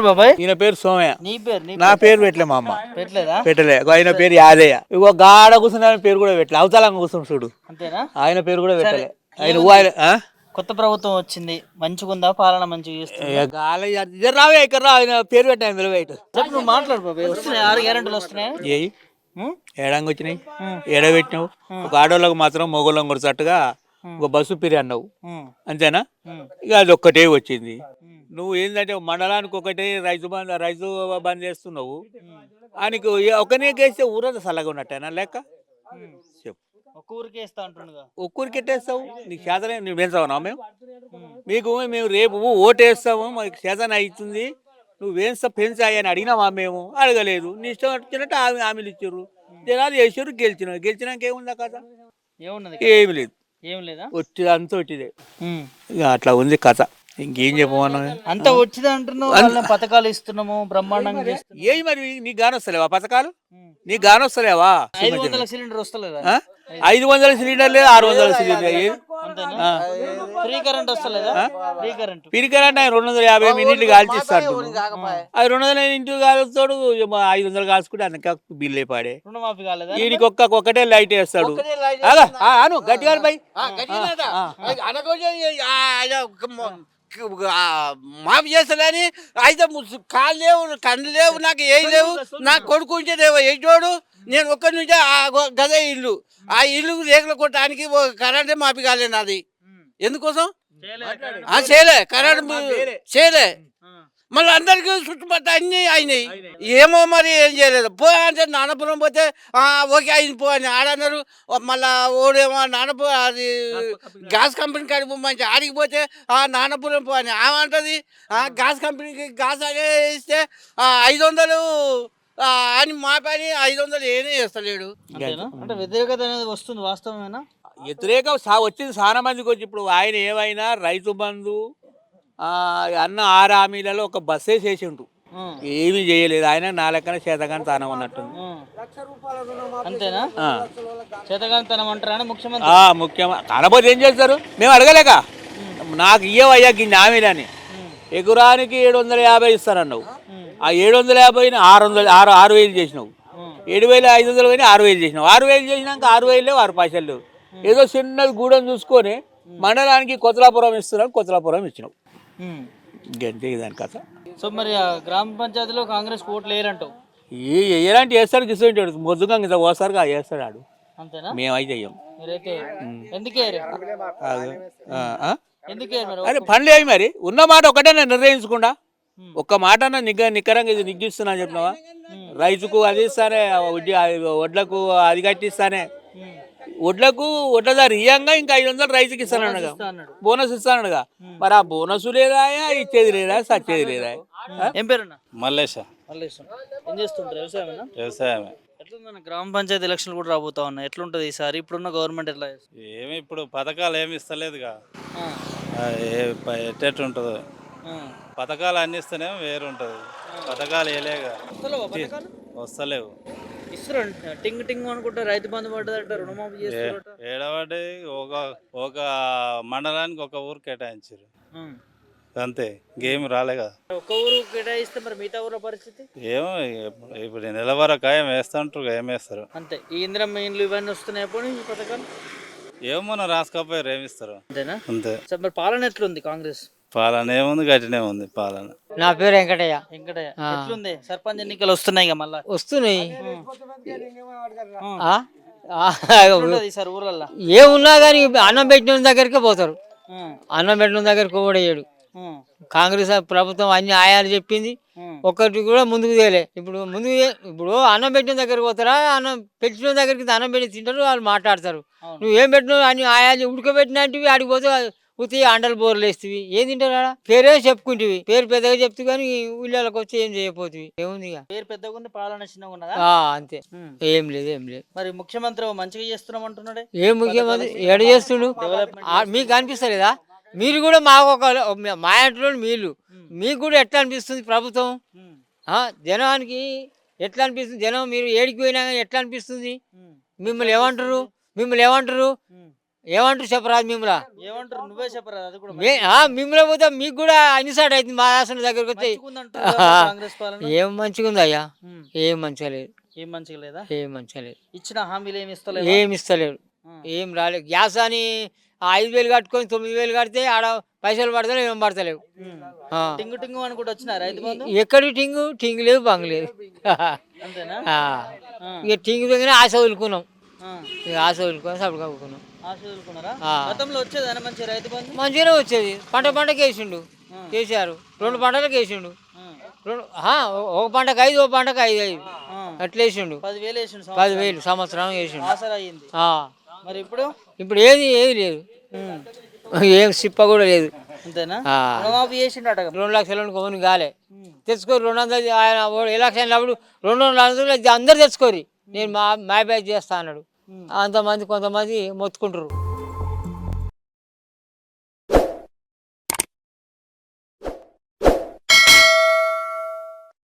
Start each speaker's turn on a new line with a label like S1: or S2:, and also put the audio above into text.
S1: బాబాయ్?
S2: ఈయన పేరు సోమయ్య.
S1: నీ పేరు?
S2: నా పేరు పెట్టలే మా అమ్మ.
S1: పెట్టలేదా?
S2: పెట్టలే. ఆయన పేరు యాదయ్య. ఇగో గాడ కూర్చుని ఆయన పేరు కూడా పెట్టలే. అవతలంగా కూర్చుని చూడు,
S1: అంతేనా?
S2: ఆయన పేరు కూడా పెట్టలే.
S1: కొత్త ప్రభుత్వం వచ్చింది, మంచిగుందా? పాలన మంచిగా చేస్తుంది?
S2: రావే ఇక్కడ రా, ఆయన పేరు పెట్టాను నిలబెట్టు.
S1: నువ్వు మాట్లాడు బాబాయ్. వస్తున్నాయి 6 గ్యారెంటీలు వస్తున్నాయి.
S2: ఏయి ఏడంగా వచ్చినాయి, ఏడ పెట్టినావు? ఒక ఆడోళ్ళకు మాత్రం మొగోళ్ళం కొడుచట్టుగా ఒక బస్సు పిరి అన్నావు, అంతేనా? ఇక అది ఒక్కటే వచ్చింది. నువ్వు ఏంటంటే మండలానికి ఒకటే రైతు బంద్ చేస్తున్నావు. ఆయనకు ఒకనే కేస్తే ఊరంతా చల్లగా ఉన్నట్టేనా లెక్క? చెప్పు. ఒక్కూరికి ఎట్టేస్తావు? నీకు చేతనే నువ్వు వేస్తావునా? మేము రేపు ఓటేస్తాము, మాకు చేతన అవుతుంది, నువ్వు పెంచాయి అని అడిగినావా? మేము అడగలేదు. నీ ఇష్టం వచ్చినట్టు హామీలు ఇచ్చారు, జనాలు చేసారు, గెలిచినాక ఏముందా కథ? ఏమి లేదు, వచ్చింది అంతా వచ్చిదే. ఇక అట్లా ఉంది కథ. ఇంకేం చెప్పమన్నా?
S1: అంత వచ్చింది అంటున్నావు. పథకాలు ఇస్తున్నాము బ్రహ్మాండంగా.
S2: ఏ మరి నీకు గానొస్తలేవా పథకాలు? నీకు గానొస్తలేవా?
S1: 500 సిలిండర్ వస్తలేదా?
S2: 500 సిలిండర్ లేదు, 600 సిలిండర్.
S1: ఫ్రీ కరెంట్ వస్తలేదా?
S2: ఫ్రీ కరెంట్ ఆయన 250 యూనిట్లు కాల్చిస్తాడు. అది 200 యూనిట్లు కాలుస్తాడు, 500 కాల్చుకుంటే అందుకే బిల్లు పాడే.
S1: రుణమాఫీ కాలేదా?
S2: వీడికి ఒక్కటే లైట్ వేస్తాడు. అను గట్టిగా పై
S3: మాఫీ చేస్తాడని అయితే కాళ్ళు లేవు, కళ్ళు లేవు, నాకు ఏం లేవు. నాకు కొడుకు ఉంటే లేవు ఎయిటోడు. నేను ఒక్కడి నుంచే గదే ఇల్లు, ఆ ఇల్లు రేకులు కొట్టడానికి కరెంటే మాఫీ కాలేదు నాది. ఎందుకోసం చేయలే, కరెంట్ చేయలే. మళ్ళీ అందరికీ చుట్టుపక్కల అన్నీ అయినాయి. ఏమో మరి ఏం చేయలేదు. అంటే నానపురం పోతే ఓకే అయింది పో అని ఆడన్నారు. మళ్ళా ఓడేమో అది గ్యాస్ కంపెనీ కాడికి మంచి ఆడికి పోతే నానపురం పో అని ఏమంటుంది. గ్యాస్ కంపెనీకి గ్యాస్ అదే ఇస్తే 500 అని మా పని 500 ఏనే చేస్తలేడు.
S1: అంటే వ్యతిరేకత అనేది వస్తుంది, వాస్తవమేనా?
S2: వ్యతిరేకం వచ్చింది చాలా మందికి వచ్చి. ఇప్పుడు ఆయన ఏమైనా రైతు బంధు అన్న 6 హామీలలో ఒక బస్సే చేసిండు, ఏమీ చేయలేదు. ఆయన నా లెక్కన చేతగాని తనం అన్నట్టుంది.
S1: అంతేనా? చేతగాని అంటారా ముఖ్యమంత్రి?
S2: ముఖ్యమంత్రి కాకపోతే ఏం చేస్తారు? మేము అడగలేక నాకు ఇయ్యవయ్యా గిన్ని హామీలని. ఎకరానికి 750 ఇస్తానన్నావు, ఆ 750ని 6,000 చేసినావు. 7,500 పోయినా 6,000 చేసినావు. 6,000 చేసినాక 6,000 లేవు, 6 పైసలు లేవు. ఏదో చిన్నది గూడెం చూసుకొని మండలానికి కొత్తలాపురం ఇస్తున్నావు, కొత్తలాపురం ఇచ్చినావు. గంతే దాని కథ.
S1: సో మరి గ్రామ పంచాయతీలో కాంగ్రెస్ ఓట్లు వేయరంటావు?
S2: ఎలాంటి వేస్తాడు గిస్తుంటాడు, మొద్దుగా ఇంత ఓసారిగా వేస్తాడు ఆడు.
S1: అంతేనా?
S2: మేమైతే అయ్యాం. అరే పనులు ఏమి మరి? ఉన్న మాట ఒకటే నేను నిర్ణయించకుండా ఒక్క మాట నిక్కరంగా ఇది నిగ్గిస్తున్నా చెప్పినావా? రైతుకు అది ఇస్తానే, వడ్లకు అది కట్టిస్తానే, వడ్లదారు ఇయ్యంగా ఇంకా 500 రైతుకి ఇస్తానగా, బోనస్ ఇస్తానగా. మరి ఆ బోనస్ లేదా, ఇచ్చేది లేదా, సచ్చేది లేదా?
S1: ఏం పేరున్నా?
S4: మల్లేశ.
S1: ఏం చేస్తుంటారు? వ్యవసాయమేనా?
S4: వ్యవసాయమే.
S1: ఎట్లుందన్న గ్రామ పంచాయతీ ఎలక్షన్లు కూడా రాబోతా ఉన్నాయి, ఎట్లుంటది ఈసారి? ఇప్పుడున్న గవర్నమెంట్ ఎట్లా?
S4: ఏమి ఇప్పుడు పథకాలు ఏమి ఇస్తలేదుగా, ఎట్టెట్టుంటుందో. పథకాలు అన్ని ఇస్తేనే వేరు ఉంటుంది, పథకాలు వేయలేగా, వస్తలేవు.
S1: టింగ్ టింగ్ అనుకుంటే రైతు బంధు పడ్డదట, రుణమాఫీ చేస్తారట.
S4: ఏడవడి ఒక మండలానికి ఒక ఊరు కేటాయించారు అంతే, ఇంకేమి రాలే కదా.
S1: ఒక ఊరు కేటాయిస్తే మరి మిగతా ఊర పరిస్థితి
S4: ఏమో. ఇప్పుడు నెలవరకు ఏం వేస్తుంటారు, ఏం వేస్తారు
S1: అంతే. ఈ ఇందిరమ్మ ఇండ్లు ఇవన్నీ వస్తున్నాయి, ఎప్పుడు ఈ పథకాలు
S4: ఏమో మనం రాసుకోపోయారు, ఏమిస్తారు
S1: అంతేనా?
S4: అంతే.
S1: మరి పాలన ఎట్లుంది కాంగ్రెస్
S4: పాలన ఏముంది, గట్టినే ఉంది పాలన.
S5: నా పేరు వెంకటయ్య.
S1: ఎట్లుంది? సర్పంచ్ ఎన్నికలు వస్తున్నాయి కదా, మళ్ళా
S5: వస్తున్నాయి.
S1: ఊర్లలో
S5: ఏమున్నా కానీ అన్నం పెట్టిన దగ్గరికి పోతారు, అన్నం పెట్టిన దగ్గరికి ఓడేయడు. కాంగ్రెస్ ప్రభుత్వం అన్ని ఆయాలు చెప్పింది, ఒక్కటి కూడా ముందుకు తేలే. ఇప్పుడు అన్నం పెట్టిన దగ్గరికి పోతారా? అన్నం పెట్టిన దగ్గరికి అన్నం పెట్టి తింటారు, వాళ్ళు మాట్లాడతారు. నువ్వు ఏం పెట్టినావు అని ఆయాలు ఉడకబెట్టినట్టు ఆడికి పోతే ఉతి అండలు బోర్లు వేస్తవి, ఏం తింటారా? పేరే చెప్పుకుంటువి, పేరు పెద్దగా చెప్తూ కానీ ఊళ్ళకి వచ్చి ఏం చేయకపోతుంది. ఏముంది
S1: పేరు పెద్దగా ఉంది, పాలన చిన్నగా ఉన్నదా?
S5: అంతే, ఏం లేదు.
S1: మరి ముఖ్యమంత్రి మంచిగా చేస్తున్నాం అంటున్నాడే.
S5: ఏం ముఖ్యమంత్రి ఎడ చేస్తుడు? మీకు అనిపిస్తలేదా? మీరు కూడా మాకు మా ఇంట్లో మీకు కూడా ఎట్లా అనిపిస్తుంది ప్రభుత్వం? జనానికి ఎట్లా అనిపిస్తుంది? జనం మీరు ఏడికి పోయినా ఎట్లా అనిపిస్తుంది? మిమ్మల్ని ఏమంటారు? ఏమంటారు చెప్పరాదు మిమ్మల్ని
S1: ఏమంటారు నువ్వే చెప్పరా అది కూడా
S5: మిమ్మల్ని పోతే మీకు కూడా అన్నిసార్లు అవుతుంది మా ఆసన దగ్గరకు వస్తే
S1: మంచిగుందంటారు కదా కాంగ్రెస్ పాలన
S5: ఏం మంచిగా ఉంది అయ్యా
S1: ఉమ్.
S5: ఏం మంచిగా లేదు
S1: ఏం మంచిగా లేదా
S5: ఏం మంచిగా లేదు
S1: ఇచ్చిన హామీలు ఏమి ఇస్తలేదు
S5: ఏం ఇస్తలేడు ఏం రాలేదు గ్యాస్ అని 5,000 కట్టుకొని 9,000 కడితే ఆడ పైసలు పడతలేవు ఏం పడతలేవు ఆ.
S1: టింగు టింగు అనుకుంటూ వచ్చిన రైతు బంధు
S5: ఎక్కడి టింగ్ లేదు బంగ్ లేదు
S1: అంతేనా
S5: ఆ. ఇక టింగ్ దగ్గర ఆశ వదులుకున్నాం
S1: ఆ.
S5: ఇక ఆశ వదులుకొని సప్పుడు కప్పుకున్నాం
S1: ఆశ వదులుకున్నారా
S5: ఆ.
S1: గతంలో వచ్చేదానా మంచి రైతు బంధు
S5: మంచిగానే వచ్చేది పంటకి వేసిండు కేసీఆర్ 2 పంటలకు వేసిండు ఒక పంటకు 5 ఒక పంటకు 5 అట్లా వేసిండు
S1: 10,000 వేసిండు
S5: 10,000 సంవత్సరం వేసిండు
S1: ఆసరా అయ్యింది
S5: ఆ.
S1: మరి ఇప్పుడు
S5: ఇప్పుడు ఏది లేదు ఏం సిప్ప కూడా లేదు
S1: అంతేనా
S5: ఆ.
S1: రుణమాఫీ చేసిండట
S5: 2 లక్షల కొనుని కాలే తెచ్చుకోరు 200 ఆయన ఎలక్షన్ అప్పుడు 200 అందరు తెచ్చుకోరి నేను మా బ్యాచ్ చేస్తా అన్నాడు అంతమంది కొంతమంది మొత్తుకుంటారు